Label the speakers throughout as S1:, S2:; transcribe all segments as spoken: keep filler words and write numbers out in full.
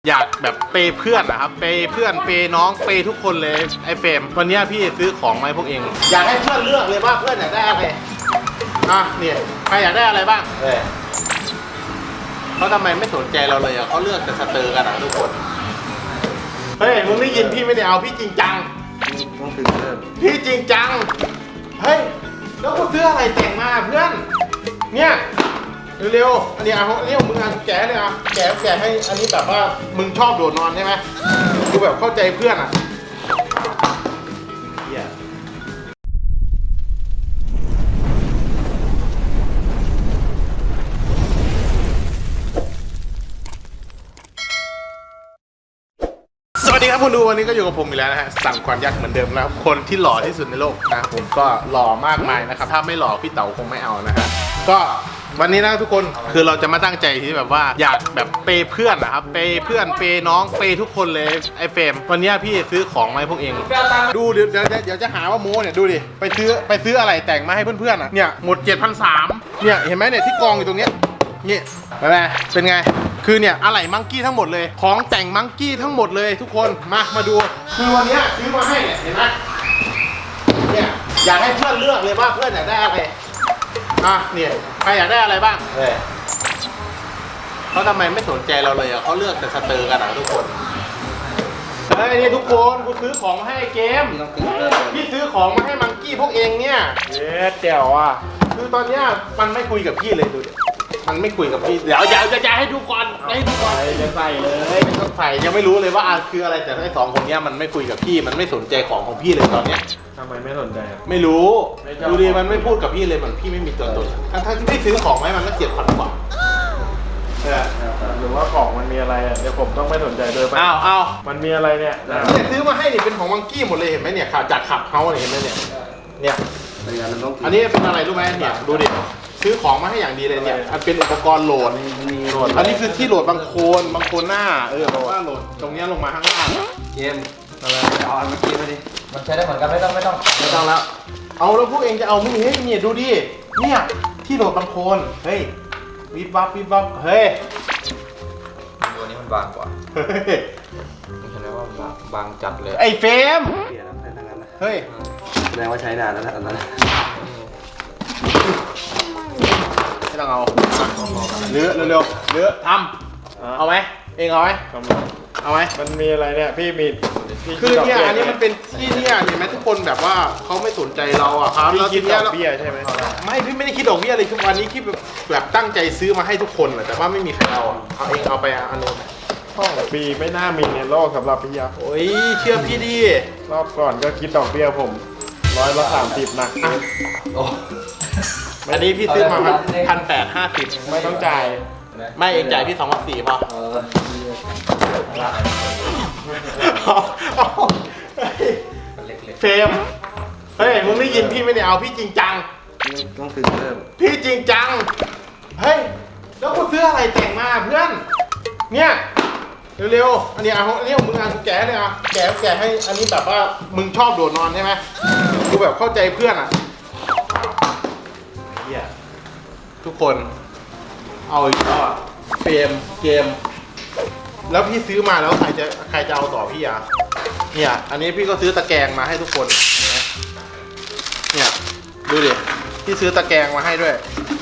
S1: อยากแบบเปย์เพื่อนนะครับเปย์เพื่อนเปย์น้องเปย์ทุกคนเลยไอ้เฟรมวันนี้พี่ซื้อของมาให้พวกเองอยากให้เพื่อนเลือกเลยว่าเพื่อนอยากได้อะไรอ่ะเนี่ยใครอยากได้อะไรบ้างเออเขาทำไมไม่สนใจเราเลยอ่ะเขาเลือกแต่สเตอร์กันอ่ะทุกคนเฮ้ยมึงได้ยินพี่ไม่ได้เอาพี่จริงจังต้องถึงเริ่มพี่จริงจังเฮ้ยแล้วกูซื้ออะไรแต่งมาเพื่อนเนี่ยเร็วๆอันนี้เอาอันนี้ของมึงอ่ะแกะเลยอ่ะแกะแกะให้อันนี้แบบว่ามึงชอบโดดนอนใช่ไหมกูแบบเข้าใจเพื่อนอ่ะสวัสดีครับคุณดูวันนี้ก็อยู่กับผมอีกแล้วนะฮะสั่งควันยักษ์เหมือนเดิมแล้วคนที่หล่อที่สุดในโลกนะผมก็หล่อมากมายนะครับถ้าไม่หล่อพี่เต๋าคงไม่เอานะฮะก็วันนี้นะทุกคนคือเราจะมาตั้งใจที่แบบว่าอยากแบบเปย์เพื่อนนะครับเปย์เพื่อนเปย์น้องเปย์ทุกคนเลยไอ้เฟรมวันนี้พี่ซื้อของมาให้พวกเองดูเดี๋ยวเดี๋ยวเดี๋ยวจะหาว่าโม้เนี่ยดูดิไปซื้อไปซื้ออะไรแต่งมาให้เพื่อนๆอ่ะเนี่ยหมด เจ็ดพันสามร้อย เนี่ยเห็นไหมเนี่ยที่กองอยู่ตรงเนี้ยนี่ไปไหมเป็นไงคือเนี่ยอะไหล่มังกี้ทั้งหมดเลยของแต่งมังกี้ทั้งหมดเลยทุกคนมามาดูคือวันนี้ซื้อมาให้เนี่ยเห็นไหมเนี่ยอยากให้เพื่อนเลือกเลยว่าเพื่อนอยากได้อะไรอ่ะเนี่ยใครอยากได้อะไรบ้างเออเขาทำไมไม่สนใจเราเลยอ่ะเขาเลือกแต่สเตอร์กันอ่ะทุกคนเฮ้ยนี่ทุกคนกูซื้อของมาให้เกมพี่ซื้อของมาให้มังกี้พวกเองเนี่ยเย้เจ๋วอ่ะคือตอนเนี้ยมันไม่คุยกับพี่เลยดูดิมันไม่คุยกับพี่เดี๋ยวอย่าจะให้ดูก่อนให้ดูก่อนจะใส่เลยไม่ต้องใส่ยังไม่รู้เลยว่าคืออะไรแต่ไอ้สองคนเนี้ยมันไม่คุยกับพี่มันไม่สนใจของของพี่เลยตอนเนี้ย
S2: ทำไมไม่สนใจ
S1: ไม่รู้ดูดิมันไม่พูดกับพี่เลยมันพี่ไม่มีตัวตนทั้งที่พี่ซื้อของให้มันก็เจ็ดพันกว่า
S2: หรือว่าของมันมีอะไรอ่ะเดี๋ยวผมต้องไม่สนใจเลย
S1: อ้าวอ้าว
S2: มันมีอะไรเนี่ย
S1: เนี่ยซื้อมาให้นี่เป็นของมังกี้หมดเลยเห็นไหมเนี่ยขาจากขับเขาเนี่ยเห็นไหมเนี่ยเนี่ยอันนี้เป็นอะไรรู้ไหมเนี่ยดูดิซื้อของมาให้อย่างดีเลยเนี่ยอันเป็นอุปกรณ์โหลดอันนี้คือที่โหลดบางโคนบางโคนหน้าเออบอกว่าโหลดตรงนี้ลงมาข้างล่าง
S3: เกมอะไรเอาอันเมื่อกี้มาดิมันใช้ได้เหมือนกันไม่ต้องไม่ต้อง
S1: ไม่ต้องแล้วเอาแล้วพวกเองจะเอาไม่เฮ้ยเนี่ยดูดิเนี่ยที่โหลดบางโคนเฮ้ยวิบวับวิบวับเฮ้ย
S3: ตัวนี้มันบางกว่าเฮ้ยเห็นไหมว่าบางบางจัดเลย
S1: ไอ้เฟรม
S3: เปลี่ยนแล้วใช้ทั้งนั้นนะ
S1: เฮ้ย
S3: แสดงว่าใช้นานแล้วนะอันนั้น
S1: ไม่ต้องเอาเลือเร็วๆเลือทำเอาไหมเองเอาไหมเอาไหม
S2: มันมีอะไรเนี่ยพี่มี
S1: คือเนี่ยอันนี้มันเป็นที่เนี่ยเห็นไหมทุกคนแบบว่าเขาไม่สนใจเราอ่ะครับ
S2: แล้วคิดดอกเบี้ยใช่ไหม
S1: ไม่พี่ไม่ได้คิดดอกเบี้ยเลยคือวันนี้คิดแบบตั้งใจซื้อมาให้ทุกคนแต่ว่าไม่มีใครเอาเอาเองเอาไปอันนึง
S2: ห้องปีไม่น่ามีในโลกสำหรับพี่ยักษ์
S1: โอ้ยเชื่อพี่ดิ
S2: รอบก่อนก็คิดดอกเบี้ยผมร้อยละสามสิบนะ
S1: อันนี้พี่ซื้อมาพันแปดห้าสิบ
S2: ไม่ต้องจ่าย
S1: ไม่เองจ่ายพี่สองพันสี่พอเฟรมเฮ้ยมึงได้ยินพี่ไม่ได้เอาพี่จริงจัง
S3: ต้องถึงเริ่ม
S1: พี่จริงจังเฮ้ยแล้วกูซื้ออะไรแต่งมาเพื่อนเนี่ยเร็วๆอันนี้เอาอันนี้ของมึงอ่ะแกะเลยอ่ะแกะแกะให้อันนี้แบบว่ามึงชอบโดดนอนใช่ไหมกูแบบเข้าใจเพื่อนอ่ะทุกคนเอาอีกแล้วเฟรมเกมแล้วพี่ซื้อมาแล้วใครจะใครจะเอาต่อพี่อ่ะเนี่ยอันนี้พี่ก็ซื้อตะแกรงมาให้ทุกคนเนี่ยดูดิพี่ซื้อตะแกรงมาให้ด้วย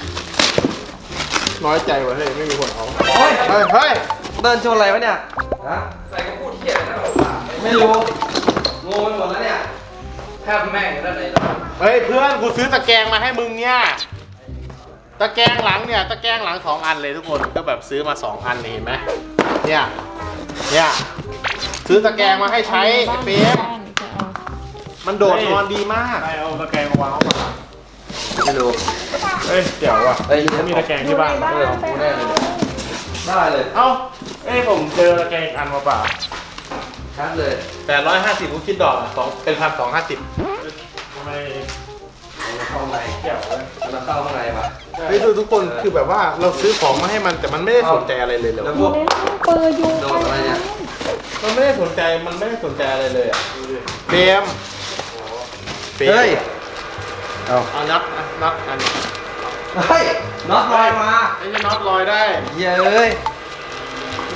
S1: น้อยใจว่ะเฮ้ยไม่มีคนเอาเฮ้ยเฮ้ย
S3: เดินชนอะไรวะเนี่ยฮะใส่กระพูดเที่ยนะไม่รู้งงไปหมดแล้วเนี่ยแทบแม่งด้านไหน
S1: เฮ้ยเพื่อนกูซื้อตะแกรงมาให้มึงเนี่ยตะแกรงหลังเนี่ยตะแกรงหลังสองอันเลยทุกคนก็แบบซื้อมาสองอันเห็นไหมเนี่ยเนี่ยซื้อตะแกรงมาให้ใช้เฟรมมันโดดนอนดีมาก
S2: ใครเอาตะแกรงมาวางเข้ามา
S3: ไม่รู้
S2: เอ้ยเดี๋ยวว่ะเอ้ยมีตะแกรงที่บ้าน
S3: เออของกูแน่เลยได้เลย
S2: เอ้าเอ้ยผมเจอตะแกรงอันมาเปล่า
S3: ชัดเลย
S1: แปดร้อยห้าสิบกูคิดดอกสองเป็นพันสองห้าสิบ
S2: ทำไม
S3: เข้าใน
S2: เกี่ยวเลย
S3: มันเข้าข้างในปะ
S1: เฮ้ยดูทุกคนคือแบบว่าเราซื้อของมาให้มันแต่มันไม่ได้สนใจอะไรเลยเลย
S3: แล้วพวกเปิดอยู่โดนอะไรเนี่ย
S1: มันไม่ได้สนใจมันไม่ได้สนใจอะไรเลยอ่ะเฟรม
S3: เฮ้ย
S1: เอาเอาน็อตน็อตอัน
S3: เฮ้ยน็อตลอยมา
S1: ไอ้น็อตลอยได้
S3: เย้ย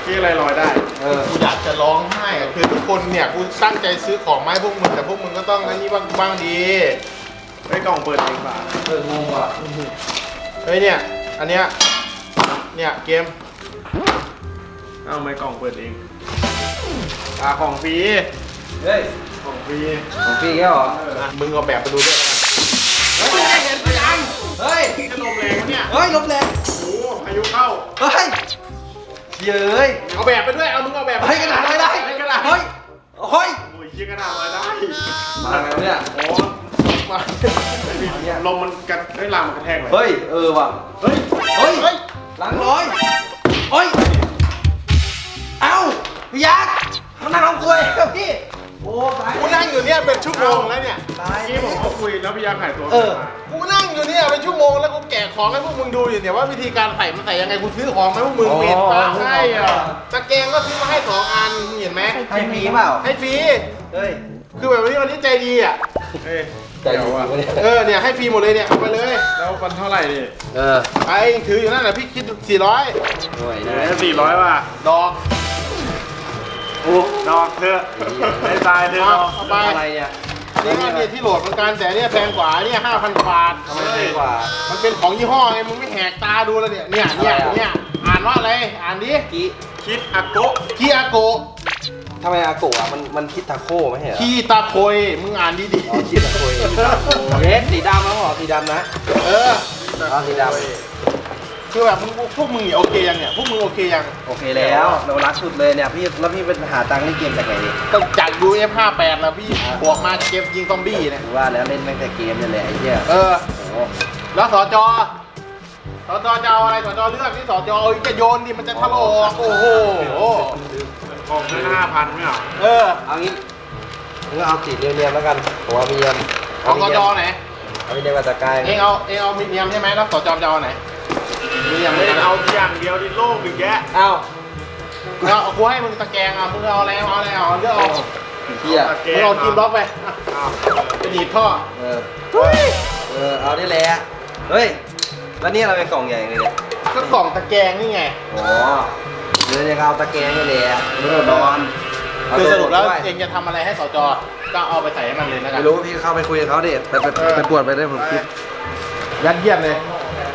S2: ที่อะไรลอยได้
S3: เออ
S1: กูอยากจะร้องไห้อะคือทุกคนเนี่ยกูตั้งใจซื้อของมาให้พวกมึงแต่พวกมึงก็ต้องอันนี้บ้างบ้างดี
S2: ไอ้กล่องเปิดเองป่ะ
S3: เอองงว่ะ
S1: เฮ้ยเนี่ยอันเนี้ยเนี่ยเกม
S2: เอาไม่กล่องเปิดเองอ่าของฟรี
S3: เฮ้ย
S2: ของฟรี
S3: ของพี่แค่เหรอ
S1: อ่ะมึงเอาแบบไปดูด้วย
S2: เฮ้ยไม่เห็นพยัง
S3: เฮ้ย
S2: จะลมแรงวะเนี่ย
S3: เฮ้ยลบแรง
S2: โอ้โหพายุเข้า
S3: เฮ้ยเย้ย
S1: เอาแบบไปด้วยเอามึงเอาแบบ
S3: เฮ้ยกระดาษไม่ได้
S1: เฮ้ยกระดาษ
S3: เฮ้ยเฮ้ย
S2: โอ้ยยี่กระดาษลอยได้
S3: มาไงวะเนี่ย
S2: โอ้
S1: มา
S2: ลมมันกระได้ลามมันกระแทกเลย
S3: เฮ้ยเออว่ะ
S2: เฮ้ย
S3: เฮ้ย
S1: เฮ้ย
S3: หลังร้อยเฮ้ยเอ้าพี่ยักษ์เขานั่งเอาคุยกับพี่โอ้ตาย
S1: กูนั่งอยู่เนี่ยเป็นชั่วโมงแล้วเนี่ย
S3: ตาย
S2: เมื่อกี้ผมก็คุยแล้วพี่ยาหายตัว
S3: เออ
S2: มา
S1: กูนั่งอยู่เนี่ยเป็นชั่วโมงแล้วกูแกะของให้พวกมึงดูอยู่เนี่ยว่าวิธีการใส่มันใส่ยังไงกูซื้อของมาให้พวกมึงเปลี่ยนปะให้อ่ะตะแกรงก็ซื้อมาให้สองอันมึงเห็นไหม
S3: ให้ฟรีเปล่า
S1: ให้ฟรี
S3: เฮ้ย
S1: คือแบบวันนี้วันนี้ใจดีอ่ะ
S2: เอ้ย
S3: ใจดีวะเนี่ย
S1: เออเนี่ยให้ฟรีหมดเลยเนี่ยเอาไปเลย
S2: แล้วมันเท่าไหร่ดิ
S3: เออ
S1: ไอ้ถืออยู่นั่นแหละพี่คิดสี่ร้อย
S3: ด้วย
S2: เหลื
S3: นะ
S2: อสี่ร้อยว่ะ
S1: ดอก
S2: โอ้ดอกเถอะได้ตายเถอะ
S1: เอา
S2: ดอก
S1: เอาไป
S3: อะไรเนี่ย
S1: นี่ก็เนี่ยที่โหลดเหมือนกันแต่เนี่ยแพงกว่าเนี่ยห้าพันบาท
S3: ทำไมแพงกว่า
S1: มันเป็นของยี่ห้อไงมึงไม่แหกตาดูแล้วเนี่ยเนี่ยเนี่ย
S3: อะไรอ่ะ
S1: เนี่ยอ่านว่าอะไรอ่านดิ
S3: กี้
S2: คิดอาโกะ
S1: คีอาโกะ
S3: ทำไมอาโกะอ่ะมันมันคิดทาโก้ไม่ใช่เหรอ
S1: คีตาโคยมึงอ่านดีดี
S3: อ๋อคิดทาโก้เย็ดสีดำแล้วเหรอสีดำนะ
S1: เออ
S3: อ๋อสีด
S1: คือแบบมึงพวกมึงเนี่ยโอเคยังเนี่ยพวกมึงโอเคยัง
S3: ำโอเคแล้วเรารักสุดเลยเนี่ยพี่แล้วพี่เป็นหาตังค์เล่นเกมจากไหนดิ
S1: ก็จากดู เอฟ ห้าสิบแปดแล้วพี่บวกมาเกมยิงซอมบี้เนี่ย
S3: ถือว่าแล้วเล่นตั้งแต่เกมเนี่ยแหละไอ้เหี้ย
S1: เออ
S3: โอ้
S1: แล้วสจสจจะเอาอะไรสจเลือกที่สจเอาจะโยนดิมันจะทะลอกโอ้โห
S2: ของเงินห้าพันไม่เหรอ
S1: เออ
S3: เอางี้มึงก็เอาสีเรียมๆแล้วกันผมเอามีเดียม
S1: ของสจไหน
S3: เอามีเดียมมาจากกาย
S1: เองเอาเองเอามีเดียมใช่ไหมแล้วสจจะเอาไหนมีเดียม
S2: ไม่
S1: ไม่
S2: ได้
S1: เอา
S2: เอาอย่างเดียวดิโลกหนึ่งแยะ
S3: เอา
S1: เอากูให้มึงตะแกรงอ่ะมึงเอาอะไรเอาอะไรเอาเลือกเอา
S3: เหี้ย
S1: มึงเอาทีมบล็อกไปอ่ะ
S2: อ้าว
S1: ไปหนีบท่อ
S3: เออเออเอาได้แหละเฮ้ยแล้วนี่เราเป็นกล่องใหญ่เลยเนี่ย
S1: ก็กล่องตะแกรงนี่ไง
S3: อ๋อเดี๋ยวจะเอาตะแกรงนี่แหละไม่ต้องนอนเา
S1: คือสรุปแล้ว
S3: ด้วย
S1: เองจะทำอะไรให้สจก็เอาไปใส่ให้มันเลยนะครั
S3: ไม่รู้พี่เข้าไปคุยกับเขาดิไปไปไปปวดไปได้ผมคิด
S1: ยัดเยียดเลย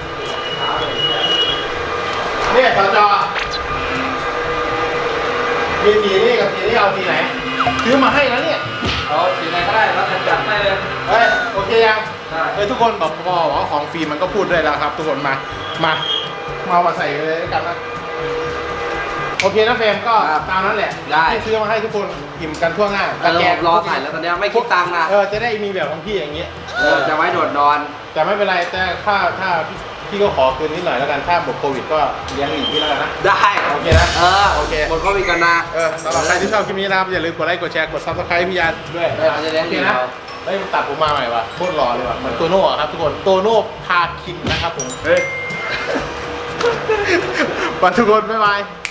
S1: เนี่ยสจมีสีนี่กับสีนี่เอาสีไหนซื้อมาให้แล้วเนี่ย
S3: เอาสีไหนก็ได้แล้วแต่จัดให้เลย
S1: เฮ้ยโอเคยัง
S3: ได้
S1: เฮ้ยทุกคนบอกพอว่าของฟรีมันก็พูดด้วยแล้วครับ ทุกคนมามามาเอามาใส่เลยด้วยกันนะโอเคนะเฟรมก็ตามนั้นแหละที่ซื้อมาให้ทุกคนอิ่มกันทั่วหน้า
S3: แต่เรารอถ่ายแล้วตอนนี้ไม่คิดตังค์นะ
S1: เออจะได้มีแบบของพี่อย่างเงี้ย
S3: เออจะไว้โดดนอน
S1: แต่ไม่เป็นไรแต่ถ้าถ้าพี่พี่ก็ขอคืนนิดหน่อยแล้วกันถ้าหมดโควิดก็เลี้ยงหนีพี่แล้วกันนะ
S3: ได้
S1: โอเคนะ
S3: เออ
S1: โอเค
S3: หมดโควิดกันนะ
S1: เออสำหรับใครที่ชอบคลิปนี้นะครับอย่าลืมกดไลค์กดแชร์กดซับสไครต์พี่ยาด้วย
S3: เออจะเลี้ยง
S1: โอ
S3: ดี
S1: เคนะ
S3: เรา
S1: เฮ้ยมันตัดผมมาใหม่ว่ะโคตรหล่อเลยว่ะเหมือนโตโน่อะครับทุกคนโตโน่พาคินนะครับผม
S2: เฮ้ย
S1: ไปทุกคนบ๊ายบาย